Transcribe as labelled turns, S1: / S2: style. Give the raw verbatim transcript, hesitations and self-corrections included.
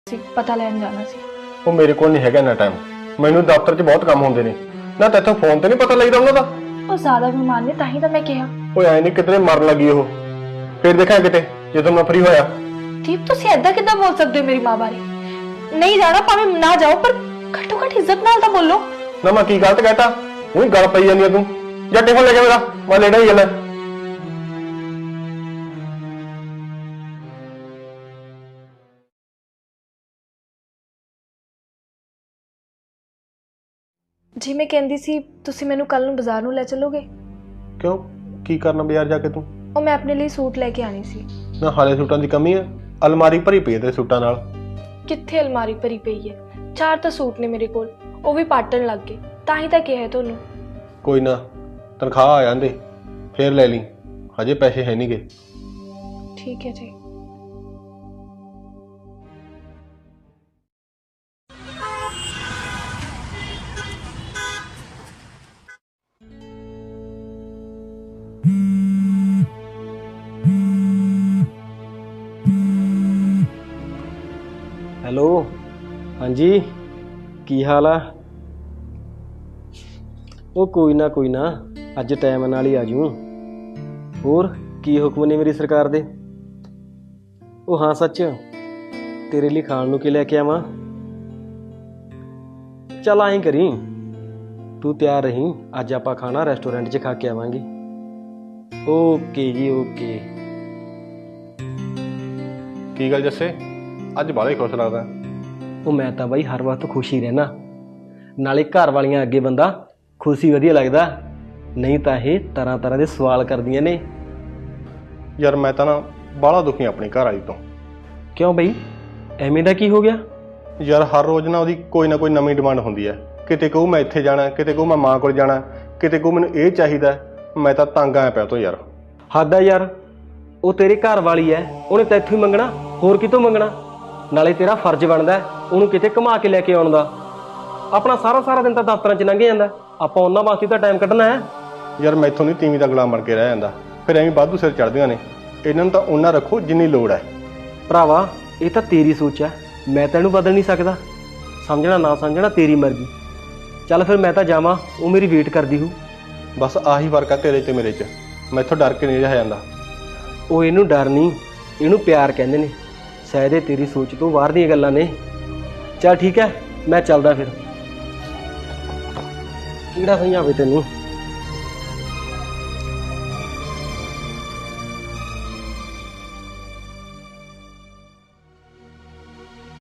S1: पता लैन जाना सी।
S2: ਉਹ ਮੇਰੇ ਕੋਲ ਨਹੀਂ ਹੈਗਾ ਨਾ ਟਾਈਮ। ਮੈਨੂੰ ਦਫ਼ਤਰ 'ਚ ਬਹੁਤ ਕੰਮ ਹੁੰਦੇ ਨੇ ਨਾ। ਤੈਥੋਂ ਫੋਨ ਤੇ ਨਹੀਂ ਪਤਾ ਲੱਗਦਾ ਉਹਨਾਂ ਦਾ।
S1: ਉਹ ਜ਼ਿਆਦਾ ਬਿਮਾਰ ਨੇ ਤਾਂ ਹੀ ਤਾਂ ਮੈਂ ਕਿਹਾ।
S2: ਓਏ ਐ ਨਹੀਂ ਕਿਤੇ ਮਰਨ ਲੱਗੀ ਉਹ। ਫਿਰ ਦੇਖਾਂ ਕਿਤੇ ਜਦੋਂ ਮੈਂ ਫ੍ਰੀ ਹੋਇਆ।
S1: ਦੀਪ ਤੁਸੀਂ ਐਦਾਂ ਕਿੱਦਾਂ ਬੋਲ ਸਕਦੇ ਹੋ ਮੇਰੀ ਮਾਂ ਬਾਰੇ? ਨਹੀਂ ਜਾਣਾ ਭਾਵੇਂ ਨਾ ਜਾਓ, ਪਰ ਘੱਟੋ ਘੱਟ ਇੱਜ਼ਤ ਨਾਲ ਤਾਂ ਬੋਲੋ
S2: ਨਾ। ਮੈਂ ਕੀ ਗਲਤ ਕਹਿਤਾ? ਉਹੀ ਗੱਲ ਪਈ ਜਾਂਦੀ ਆ ਤੂੰ। ਜਾਂ ਟਿਫਨ ਲੈ ਕੇ ਮੇਰਾ ਮੈਂ ਲੈਣਾ ਹੀ ਜਾਂਦਾ।
S1: जी मैं कहती सी तुसी मैनू कल नूं बाजार नूं लै चलोगे?
S2: क्यों की करना बाजार जाके तू?
S1: और मैं अपने लिए सूट लैके आनी सी।
S2: ना हाले सूटां दी कमी है। अलमारी भरी पई है तेरे सूटां नाल।
S1: कित्थे अलमारी भरी पई है? चार तो सूट ने मेरे कोल, वो भी पाटन लग गए, तां ही तां कहा है तुहानूं।
S2: कोई ना तनख्वाह आ जांदे फिर ले ली, हजे पैसे है नहीं गे।
S1: ठीक है जी।
S3: ਹੈਲੋ ਹਾਂਜੀ ਕੀ ਹਾਲ ਆ? ਉਹ ਕੋਈ ਨਾ ਕੋਈ ਨਾ ਅੱਜ ਟਾਈਮ ਨਾਲ ਹੀ ਆ ਜੂ। ਹੋਰ ਕੀ ਹੁਕਮ ਨੇ ਮੇਰੀ ਸਰਕਾਰ ਦੇ? ਉਹ ਹਾਂ ਸੱਚ, ਤੇਰੇ ਲਈ ਖਾਣ ਨੂੰ ਕੀ ਲੈ ਕੇ ਆਵਾਂ? ਚੱਲ ਐਂ ਕਰੀ ਤੂੰ ਤਿਆਰ ਰਹੀਂ, ਅੱਜ ਆਪਾਂ ਖਾਣਾ ਰੈਸਟੋਰੈਂਟ 'ਚ ਖਾ ਕੇ ਆਵਾਂਗੇ। ਓਕੇ ਜੀ ਓਕੇ।
S2: ਕੀ ਗੱਲ ਜੱਸੇ ਅੱਜ ਬਾਹਲਾ ਹੀ ਖੁਸ਼ ਲੱਗਦਾ?
S3: ਉਹ ਮੈਂ ਤਾਂ ਬਾਈ ਹਰ ਵਕਤ ਖੁਸ਼ ਹੀ ਰਹਿਣਾ, ਨਾਲੇ ਘਰ ਵਾਲੀਆਂ ਅੱਗੇ ਬੰਦਾ ਖੁਸ਼ੀ ਵਧੀਆ ਲੱਗਦਾ, ਨਹੀਂ ਤਾਂ ਇਹ ਤਰ੍ਹਾਂ ਤਰ੍ਹਾਂ ਦੇ ਸਵਾਲ ਕਰਦੀਆਂ ਨੇ।
S2: ਯਾਰ ਮੈਂ ਤਾਂ ਨਾ ਬਾਹਲਾ ਦੁਖੀ ਆਪਣੀ ਘਰ ਵਾਲੀ ਤੋਂ।
S3: ਕਿਉਂ ਬਈ ਐਵੇਂ ਦਾ ਕੀ ਹੋ ਗਿਆ?
S2: ਯਾਰ ਹਰ ਰੋਜ਼ ਨਾ ਉਹਦੀ ਕੋਈ ਨਾ ਕੋਈ ਨਵੀਂ ਡਿਮਾਂਡ ਹੁੰਦੀ ਹੈ। ਕਿਤੇ ਕਹੂ ਮੈਂ ਇੱਥੇ ਜਾਣਾ, ਕਿਤੇ ਕਹੂ ਮੈਂ ਮਾਂ ਕੋਲ ਜਾਣਾ, ਕਿਤੇ ਕਹੂ ਮੈਨੂੰ ਇਹ ਚਾਹੀਦਾ। ਮੈਂ ਤਾਂ ਤੰਗ ਆਇਆ ਪਿਆ ਤੋਂ ਯਾਰ।
S3: ਹੱਦ ਆ ਯਾਰ, ਉਹ ਤੇਰੇ ਘਰ ਵਾਲੀ ਐ, ਉਹਨੇ ਤੈਥੋਂ ਹੀ ਮੰਗਣਾ, ਹੋਰ ਕਿਤੋਂ ਮੰਗਣਾ? ਨਾਲੇ ਤੇਰਾ ਫਰਜ਼ ਬਣਦਾ ਉਹਨੂੰ ਕਿਤੇ ਘੁਮਾ ਕੇ ਲੈ ਕੇ ਆਉਣ ਦਾ। ਆਪਣਾ ਸਾਰਾ ਸਾਰਾ ਦਿਨ ਤਾਂ ਦਫ਼ਤਰਾਂ 'ਚ ਲੰਘ ਜਾਂਦਾ, ਆਪਾਂ ਉਹਨਾਂ ਵਾਸਤੇ ਤਾਂ ਟਾਈਮ ਕੱਢਣਾ ਹੈ।
S2: ਯਾਰ ਮੈਥੋਂ ਨਹੀਂ ਤੀਵੀਂ ਦਾ ਗੁਲਾਮ ਬਣ ਕੇ ਰਹਿ ਜਾਂਦਾ, ਫਿਰ ਐਵੇਂ ਵਾਧੂ ਸਿਰ ਚੜ੍ਹਦੀਆਂ ਨੇ। ਇਹਨਾਂ ਨੂੰ ਤਾਂ ਉਹਨਾਂ ਰੱਖੋ ਜਿੰਨੀ ਲੋੜ ਹੈ।
S3: ਭਰਾਵਾ ਇਹ ਤਾਂ ਤੇਰੀ ਸੋਚ ਹੈ, ਮੈਂ ਤਾਂ ਇਹਨੂੰ ਬਦਲ ਨਹੀਂ ਸਕਦਾ। ਸਮਝਣਾ ਨਾ ਸਮਝਣਾ ਤੇਰੀ ਮਰਜ਼ੀ। ਚੱਲ ਫਿਰ ਮੈਂ ਤਾਂ ਜਾਵਾਂ, ਉਹ ਮੇਰੀ ਵੇਟ ਕਰਦੀ ਹੋਊ।
S2: ਬਸ ਆਹੀ ਫਰਕ ਆ ਤੇਰੇ 'ਤੇ ਮੇਰੇ 'ਚ, ਮੈਥੋਂ ਡਰ ਕੇ ਨਹੀਂ ਰਿਹਾ ਜਾਂਦਾ।
S3: ਉਹ ਇਹਨੂੰ ਡਰ ਨਹੀਂ, ਇਹਨੂੰ ਪਿਆਰ ਕਹਿੰਦੇ ਨੇ। ਸ਼ਾਇਦ ਇਹ ਤੇਰੀ ਸੋਚ ਤੋਂ ਬਾਹਰ ਦੀਆਂ ਗੱਲਾਂ ਨੇ। ਚੱਲ ਠੀਕ ਹੈ, ਮੈਂ ਚੱਲਦਾ ਫਿਰ। ਕਿਹੜਾ ਸਮਝਾਵੇ ਤੈਨੂੰ।